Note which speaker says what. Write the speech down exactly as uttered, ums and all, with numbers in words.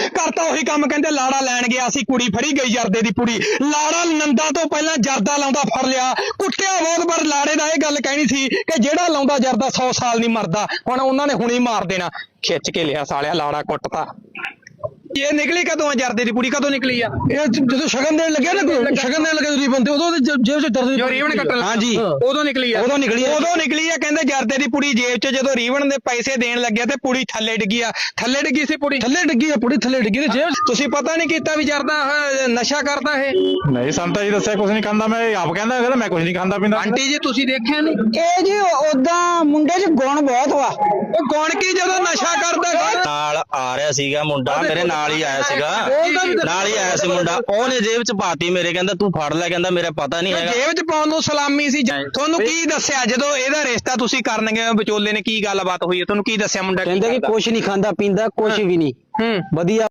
Speaker 1: ਕਰਤਾ ਉਹੀ ਕੰਮ। ਕਹਿੰਦੇ ਲਾੜਾ ਲੈਣ ਗਿਆ ਸੀ, ਕੁੜੀ ਫੜੀ ਗਈ ਜਰਦੇ ਦੀ ਪੁੜੀ। ਲਾੜਾ ਨੰਦਾ ਤੋਂ ਪਹਿਲਾਂ ਜਰਦਾ ਲਾਉਂਦਾ ਫੜ ਲਿਆ, ਕੁੱਟਿਆ ਬਹੁਤ। ਪਰ ਲਾੜੇ ਦਾ ਇਹ ਗੱਲ ਕਹਿਣੀ ਸੀ ਕਿ ਜਿਹੜਾ ਲਾਉਂਦਾ ਜਰਦਾ ਸੌ ਸਾਲ ਨਹੀਂ ਮਰਦਾ। ਹੁਣ ਉਹਨਾਂ ਨੇ ਹੁਣੀ ਮਾਰ ਦੇਣਾ। ਖਿੱਚ ਕੇ ਲਿਆ ਸਾਲਿਆ, ਲਾੜਾ ਕੁੱਟਤਾ। ਇਹ ਨਿਕਲੀ ਕਦੋਂ ਆ ਜਰਦੇ ਦੀ ਪੁੜੀ? ਕਦੋਂ ਨਿਕਲੀ ਆ?
Speaker 2: ਇਹ ਜਦੋਂ ਸ਼ਗਨ ਦੇਣ ਲੱਗਿਆ ਨਾ, ਸ਼ਗਨ ਦੇਣ ਲੱਗੇ ਰੀਬਨ ਤੇ, ਉਦੋਂ ਜੇਬ ਚ ਦਰਦ
Speaker 1: ਜੋ ਰੀਵਨ ਕੱਟਣ, ਹਾਂਜੀ ਉਦੋਂ ਨਿਕਲੀ ਆ। ਉਦੋਂ ਨਿਕਲੀ ਆ ਉਦੋਂ ਨਿਕਲੀ ਆ ਕਹਿੰਦੇ ਜਰਦੇ ਦੀ ਪੁੜੀ ਜੇਬ ਚ। ਜਦੋਂ ਰੀਵਨ ਦੇ ਪੈਸੇ ਦੇਣ ਲੱਗਿਆ ਤੇ ਪੁੜੀ ਥੱਲੇ ਡਿੱਗੀ ਆ। ਥੱਲੇ ਡਿੱਗੀ ਸੀ ਪੁੜੀ,
Speaker 2: ਥੱਲੇ ਡਿੱਗੀ ਆ ਪੁੜੀ, ਥੱਲੇ ਡਿੱਗੀ ਤੇ ਜੇਬ।
Speaker 1: ਤੁਸੀਂ ਪਤਾ ਨਹੀਂ ਕੀਤਾ ਵੀ ਜਰਦਾ ਆਹ ਨਸ਼ਾ ਕਰਦਾ ਇਹ?
Speaker 3: ਨਹੀਂ ਸੰਤਾ ਜੀ ਦੱਸਿਆ ਕੁਝ ਨਹੀਂ ਖਾਂਦਾ। ਮੈਂ ਆਪ ਕਹਿੰਦਾ ਕਹਿੰਦਾ ਮੈਂ ਕੁਝ ਨਹੀਂ ਖਾਂਦਾ ਪੀਂਦਾ।
Speaker 1: ਆਂਟੀ ਜੀ ਤੁਸੀਂ ਦੇਖਿਆ ਨਹੀਂ?
Speaker 4: ਇਹ ਜੀ ਉਦਾਂ ਮੁੰਡੇ 'ਚ ਗੁਣ ਬਹੁਤ ਵਾ।
Speaker 1: ਉਹ ਕੌਣ ਕੀ ਜਦੋਂ ਨਸ਼ਾ ਕਰਦਾ?
Speaker 5: ਨਾਲ ਆ ਰਿਹਾ ਸੀਗਾ ਮੁੰਡਾ, ਮੇਰੇ ਨਾਲ ਹੀ ਆਇਆ ਸੀਗਾ, ਨਾਲ ਹੀ ਆਇਆ ਸੀ ਮੁੰਡਾ। ਉਹਨੇ ਜੇਬ ਚ ਪਾਤੀ ਮੇਰੇ, ਕਹਿੰਦਾ ਤੂੰ ਫੜ ਲੈ, ਕਹਿੰਦਾ ਮੇਰਾ ਪਤਾ ਨਹੀਂ ਹੈਗਾ।
Speaker 1: ਜੇਬ ਚ ਪਾਉਣ ਨੂੰ ਸਲਾਮੀ ਸੀ। ਤੁਹਾਨੂੰ ਕੀ ਦੱਸਿਆ ਜਦੋਂ ਇਹਦਾ ਰਿਸ਼ਤਾ ਤੁਸੀਂ ਕਰਨਗੇ? ਵਿਚੋਲੇ ਨੇ ਕੀ ਗੱਲਬਾਤ ਹੋਈ ਹੈ? ਤੁਹਾਨੂੰ ਕੀ ਦੱਸਿਆ ਮੁੰਡਾ?
Speaker 4: ਕਹਿੰਦੇ ਕਿ ਕੁਛ ਨਹੀਂ ਖਾਂਦਾ ਪੀਂਦਾ, ਕੁਛ ਵੀ ਨਹੀਂ,
Speaker 1: ਹੂੰ
Speaker 4: ਵਧੀਆ।